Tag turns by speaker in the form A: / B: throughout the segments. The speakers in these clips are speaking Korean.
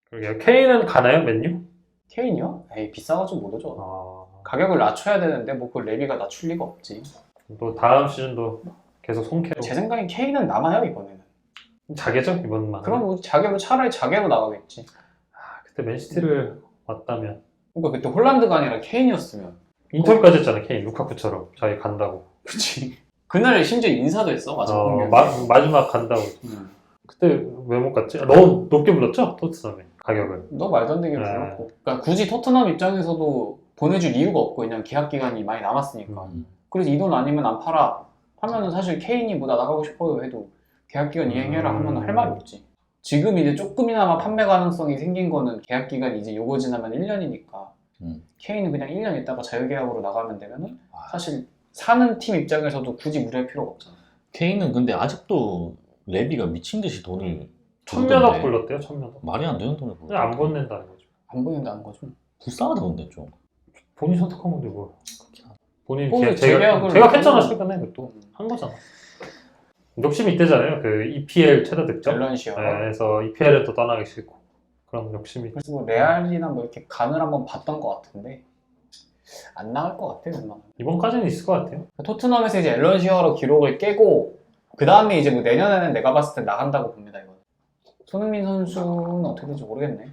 A: 그러게요. 케인은 가나요, 맨유?
B: 케인이요? 에이 비싸가지고 못 오죠.
A: 아,
B: 가격을 낮춰야 되는데 뭐 그걸 레비가 낮출 리가 없지.
A: 또 다음 시즌도 계속 손캐로
B: 제 생각엔 케인은 남아요 이번에는.
A: 자개죠 이번만.
B: 그럼 뭐 자개로 차라리 자개로 나가겠지.
A: 그때 맨시티를 왔다면
B: 그러니까 그때 홀란드가 아니라 케인이었으면.
A: 인터뷰까지 했잖아 케인 루카쿠처럼 자기 간다고.
B: 그치. 그날 심지어 인사도 했어 맞아.
A: 마지막 간다고. 그때 왜 못 갔지? 너무 높게 불렀죠 토트넘에 가격을.
B: 너 말도 안 되게 불렀고. 그러니까 굳이 토트넘 입장에서도 보내줄 이유가 없고 그냥 계약 기간이 많이 남았으니까. 그래서 이 돈 아니면 안 팔아 하면은 사실 케인이 뭐 나 나가고 싶어요 해도 계약 기간 이행해라 하면 할 말이 없지. 지금 이제 조금이나마 판매 가능성이 생긴 거는 계약 기간이 이제 요거 지나면 1년이니까 케인은 그냥 1년 있다가 자유계약으로 나가면 되면은 사실 사는 팀 입장에서도 굳이 무리할 필요가 없잖아.
C: 케인은 근데 아직도 레비가 미친 듯이 돈을
A: 1000몇억 불렀대요 1000몇억.
C: 말이 안 되는 돈을
A: 그냥 안 보낸다는 거죠.
B: 안 보낸다는 거죠.
C: 불쌍하다 근데 좀.
A: 본인 선택한 건데 뭐. 본인
B: 재계약을
A: 제가 했잖아 최근에 그것도 한 거잖아. 욕심이 있대잖아요. 그 EPL 최다 득점.
B: 밸런시어.
A: 네, 그래서 EPL에 또 떠나기 싫고 그런 욕심이.
B: 그래서 뭐 레알이나 뭐 이렇게 간을 한번 봤던 것 같은데 안 나갈 것 같아요. 웬만하면.
A: 이번까지는 있을 것 같아요.
B: 토트넘에서 이제 앨런 시어로 기록을 깨고 그 다음에 이제 뭐 내년에는 내가 봤을 때 나간다고 봅니다. 이거. 손흥민 선수는 어떻게 될지 모르겠네.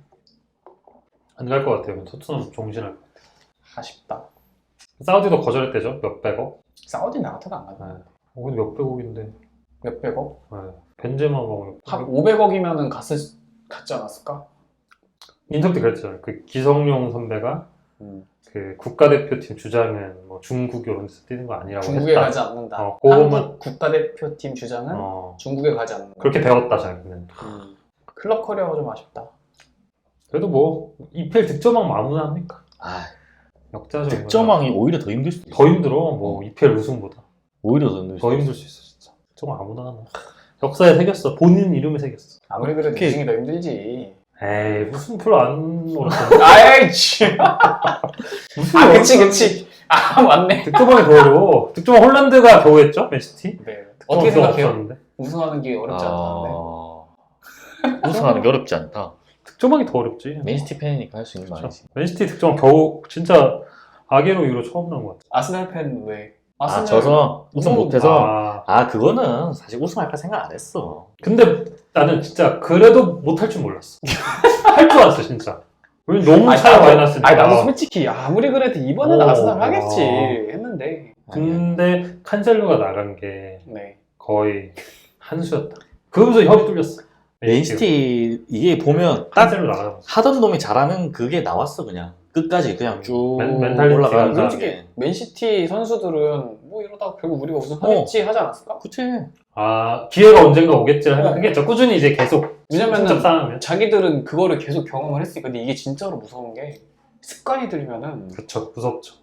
A: 안 갈 것 같아요. 토트넘 종신할 것 같아요.
B: 아쉽다.
A: 사우디도 거절했대죠. 몇백억.
B: 사우디 나 같아도 안 가죠.
A: 네. 근데 몇백억인데.
B: 몇백억?
A: 네. 벤제마가
B: 한 500억이면은 갔지 않았을까?
A: 인터뷰 때 그랬잖아요. 그 기성용 선배가 그 국가대표팀 주장은 뭐 중국 이런 데서 뛰는 거 아니라고
B: 중국에
A: 했다.
B: 가지 않는다.
A: 그거만
B: 한국 국가대표팀 주장은 중국에 가지 않는다.
A: 그렇게 배웠다 자기는.
B: 클럽 커리어가 좀 아쉽다.
A: 그래도 뭐 EPL 득점왕 아무나 합니까?
C: 아,
A: 역자죠.
C: 득점왕이 오히려 더 힘들 수도 있어.
A: 더 힘들어. 뭐 EPL 우승보다
C: 오히려 더 힘들
A: 수 있어 진짜. 득점왕 아무나 하나. 역사에 새겼어. 본인 이름에 새겼어.
B: 아무리 그래도 우승이 더 힘들지.
A: 에이 무슨 프로 안 놀았어.
B: 아이치.
A: 무슨
B: 아 그치. 아 맞네.
A: 득점왕이 더 어려워. 득점왕 홀란드가 겨우 했죠 맨시티.
B: 네. 어떻게 생각해요?
A: 없었는데.
B: 우승하는 게 어렵지 않다는데.
C: 우승하는 게 어렵지 않다.
A: 득점왕이 더 어렵지.
C: 맨시티 팬이니까 할 수 있는 말이지.
A: 맨시티 득점왕 겨우 진짜 아게로 이후로 처음 나온 것 같아.
B: 아스날 팬 왜?
C: 아 져서 우승 못해서. 그거는 사실 우승할까 생각 안 했어.
A: 근데 나는 진짜 그래도 못할 줄 몰랐어. 할 줄 알았어 진짜. 왜냐면 너무 차이가 많이 났으니까.
B: 아니 나도 솔직히 아무리 그래도 이번에는 아스날 하겠지 했는데.
A: 근데 칸셀루가 나간 게
B: 네.
A: 거의 한 수였다. 그러면서 혈이 뚫렸어.
C: 맨시티 이게 보면 딱
A: 칸셀루 나가면
C: 하던 놈이 잘하는 그게 나왔어 그냥 끝까지 그냥 쭉
A: 멘탈리티가
C: 올라가는
B: 솔직히
C: 게.
B: 맨시티 선수들은 뭐 이러다가 결국 우리가 우승하겠지 하지 않았을까?
C: 그치.
A: 기회가 언젠가 오겠지 하면 그게 꾸준히 이제 계속
B: 왜냐면은
A: 쌓으면.
B: 자기들은 그거를 계속 경험을 했으니까. 근데 이게 진짜로 무서운 게 습관이 들면은
A: 그쵸 무섭죠.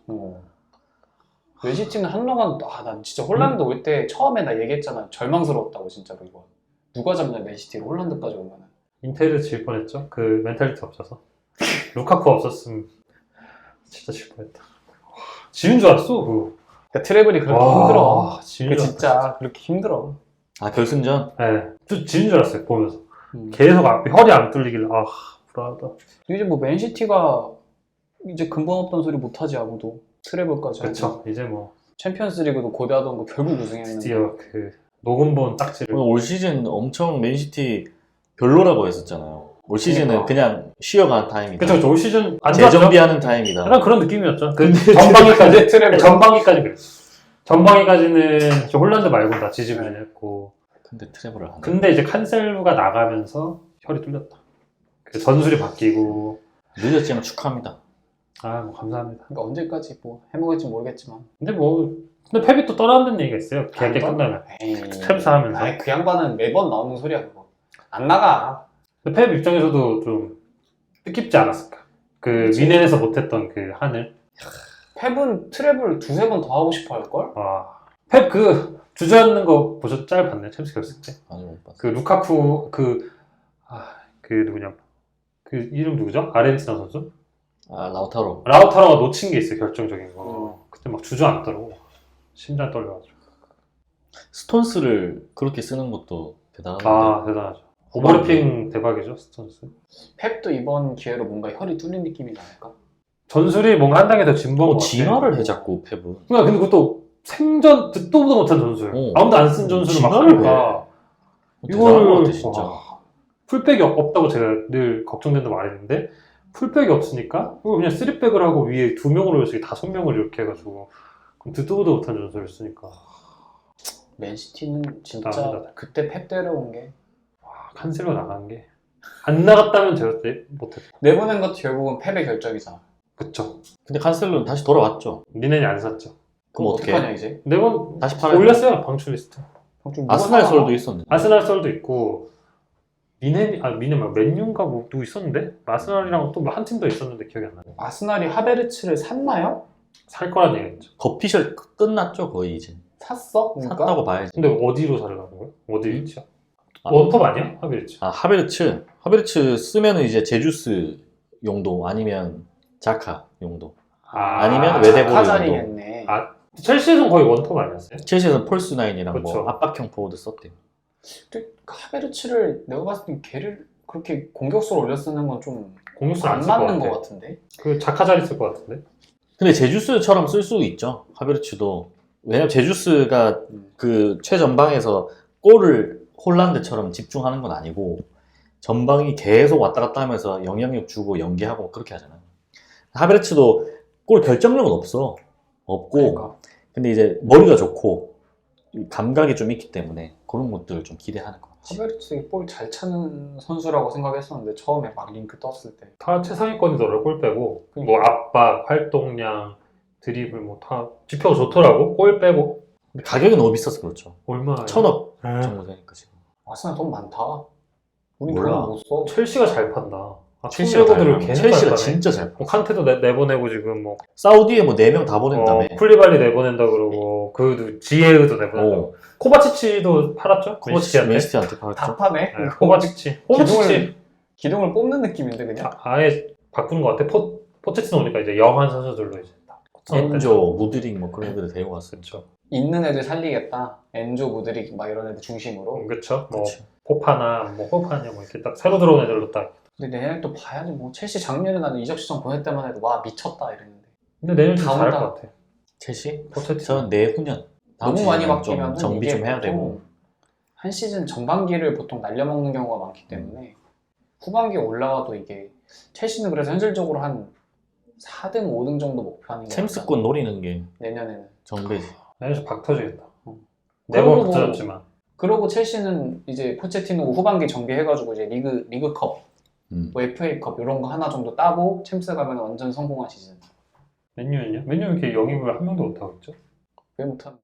B: 맨시티는 한동안 난 진짜 홀란드 올 때 처음에 나 얘기했잖아. 절망스러웠다고 진짜로 이거. 누가 잡냐 맨시티를 홀란드까지 오면은.
A: 인테르 질 뻔했죠. 그 멘탈리티 없어서. 루카쿠 없었으면 진짜 질 뻔했다. 지는 줄 알았어.
B: 그러니까 트래블이 그렇게 힘들어.
A: 지는 줄
B: 진짜
A: 알았어.
B: 그렇게 힘들어.
C: 결승전?
A: 네. 좀 지는 줄 알았어요 보면서. 계속 혈이 안 뚫리길래 불안하다.
B: 이제 뭐 맨시티가 이제 근본 없던 소리 못하지 아무도. 트래블까지.
A: 그쵸. 이제 뭐
B: 챔피언스리그도 고대하던 거 결국 우승했는데.
A: 드디어 그 녹음본 딱지를.
C: 올 시즌 엄청 맨시티 별로라고 했었잖아요. 올 시즌은 그냥 쉬어가는 타임이다.
A: 그쵸. 올 시즌 안 좋았죠?
C: 재정비하는 타임이다.
A: 약간 그런 느낌이었죠.
B: 근데
A: 전방위까지
B: 트래블.
A: 전방위까지 그랬어. 전방위까지는 홀란드 말고 다 지지면했고.
C: 근데 트래블을 안 해.
A: 근데 이제 칸셀루가 나가면서 혈이 뚫렸다. 그 전술이 바뀌고.
C: 늦었지만 축하합니다.
A: 뭐 감사합니다.
B: 그러니까 언제까지 뭐 해먹을지 모르겠지만.
A: 근데 펩이 또 떠난다는 얘기가 있어요. 계약이 끝나면. 챔스 하면서.
B: 그 양반은 매번 나오는 소리야 그거. 안 나가.
A: 근데 펩 입장에서도 좀 뜻깊지 않았을까.
B: 그치.
A: 미넨에서 못했던 그 한을.
B: 펩은 트래블 두세 번 더 하고 싶어 할걸?
A: 펩 주저앉는 거 보셨? 짤 봤네. 챔스 결승 때.
C: 아니 못 봤어.
A: 그 루카쿠 그 누구냐. 그 이름 누구죠? 아르헨티나 선수?
C: 라우타로.
A: 라우타로가 놓친 게 있어요. 결정적인 거. 그때 막 주저앉더라고. 심장 떨려가지고.
C: 스톤스를 그렇게 쓰는 것도 대단한데.
A: 대단하죠. 오버래핑 대박이죠, 스톤스.
B: 펩도 이번 기회로 뭔가 혈이 뚫린 느낌이 나니까.
A: 전술이 뭔가 한 단계 더 진보한 것 같아.
C: 진화를 해 자꾸 펩은.
A: 그러니까 근데 그것도 생전 듣도 보도 못한 전술. 아무도 안 쓴 전술을 막
C: 진화를
A: 하니까
C: 대단한 것
A: 이거를
C: 같아 진짜.
A: 풀백이 없다고 제가 늘 걱정된다고 말했는데 풀백이 없으니까 이거 그냥 3백을 하고 위에 2명을 올려서 5명을 이렇게 해가지고 그럼 듣도 보도 못한 전술을 쓰니까
B: 맨시티는 진짜
A: 나갑니다.
B: 그때 펩 데려온 게
A: 칸셀로 나간 게 안 나갔다면 제가 못했다.
B: 내보낸 것도 결국은 펩의 결정이잖아.
A: 그쵸.
C: 근데 칸셀로는 다시 돌아왔죠.
A: 니넨이 안 샀죠.
C: 그럼 어떻게
B: 어떡하냐 이제?
A: 네번
C: 다시 팔아야
A: 올렸어요 방출 리스트.
C: 아스날 설도 있었는데.
A: 아스날 썰도 있고 미넨 말고 맨유인가 뭐 누구 있었는데 아스날이랑 또 한 팀 더 있었는데 기억이 안 나네.
B: 아스날이 하베르츠를 샀나요?
A: 살 거란 얘기했죠.
C: 거피셜 끝났죠 거의 이제.
B: 샀어? 그러니까?
C: 샀다고 봐야지.
A: 근데 어디로 사러 가는 거예요? 어디 위치야?
C: 아,
A: 원톱 아니야? 하비르치.
C: 아 하베르츠 쓰면은 이제 제주스 용도 아니면 자카 용도. 아니면 외대보로
B: 자카자리겠네.
A: 첼시에서는 거의 원톱 아니었어요?
C: 첼시에서는 폴스 나인이랑
A: 그쵸.
C: 뭐 압박형 포워드 썼대요.
B: 근데 하베르츠를 내가 봤을 때 걔를 그렇게 공격수로 올려 쓰는 건 좀
A: 공격수
B: 안
A: 안쓸 것
B: 맞는
A: 같아.
B: 것 같은데?
A: 그 자카 자리 쓸 것 같은데?
C: 근데 제주스처럼 쓸 수 있죠. 하베르츠도. 왜냐면 제주스가 그 최전방에서 골을 홀란드처럼 집중하는 건 아니고 전방이 계속 왔다 갔다 하면서 영향력 주고 연계하고 그렇게 하잖아요. 하베르츠도 골 결정력은 없고
B: 그러니까.
C: 근데 이제 머리가 좋고 감각이 좀 있기 때문에 그런 것들을 좀 기대하는 것 같아요.
B: 하베르츠 볼 잘 차는 선수라고 생각했었는데 처음에 막 링크 떴을 때
A: 다 최상위권이더라고. 골 빼고
B: 그러니까.
A: 뭐 압박, 활동량, 드리블 뭐 다 지표가 좋더라고. 골 빼고
C: 근데 가격이 너무 비싸서 그렇죠.
A: 얼마?
C: 1,000억
A: 에.
C: 정도 되니까 지금.
B: 아스날 돈 많다. 우리
C: 몰라.
B: 돈 못 써.
A: 첼시가 잘 판다.
C: 첼시가
A: 첼시들을
C: 잘
A: 계속
C: 첼시가
A: 잘 파네.
C: 진짜 잘 파.
A: 뭐 칸테도 내보내고 지금 뭐
C: 사우디에 뭐 4명 다 보낸다며.
A: 쿨리발리 내보낸다 그러고 그 지에우도 내보낸다고. 코바치치도 팔았죠? 맨시티한테.
C: 맨시티한테
B: 다
C: 팔았죠.
B: 파네.
A: 네, 코바치치. 코바치치
B: 기둥을 뽑는 느낌인데 그냥.
A: 아예 바꾸는 것 같아. 포체티노 오니까 이제 영한 선수들로 이제 딱.
C: 엔조, 무드릭 뭐 그런 애들 데리고 왔어요.
A: 그렇죠.
B: 있는 애들 살리겠다. 엔조, 무드릭 막 이런 애들 중심으로.
A: 그렇죠. 뭐
C: 그치.
A: 포파나 뭐 호파냐 뭐 이렇게 딱 새로 들어온 애들로 딱.
B: 근데 내년에 또 봐야지 뭐 첼시 작년에 나는 이적 시장 보낼 때만 해도 와 미쳤다 이랬는데
A: 근데 내년 좀
B: 다
A: 잘할
B: 온다.
A: 것 같아.
C: 첼시?
A: 포체티노.
C: 저는 내후년 다음
B: 너무 많이
C: 시즌은 좀
B: 바뀌면
C: 정비 좀 해야 되고.
B: 한 시즌 전반기를 보통 날려먹는 경우가 많기 때문에 후반기에 올라와도 이게 첼시는 그래서 현실적으로 한 4등, 5등 정도 목표하는 게
C: 챔스권 노리는 게
B: 내년에는.
C: 정배지.
A: 내년 좀박 터지겠다.
B: 그리고
A: 네번
B: 뭐-
A: 붙어졌지만.
B: 그러고 첼시는 이제 포체티노 후반기 정비해가지고 이제 리그컵, 뭐 FA컵 이런 거 하나 정도 따고 챔스 가면 완전 성공한 시즌.
A: 맨유는요? 맨유 이렇게 영입을 한 명도 못 하고 있죠?
B: 왜 못하는?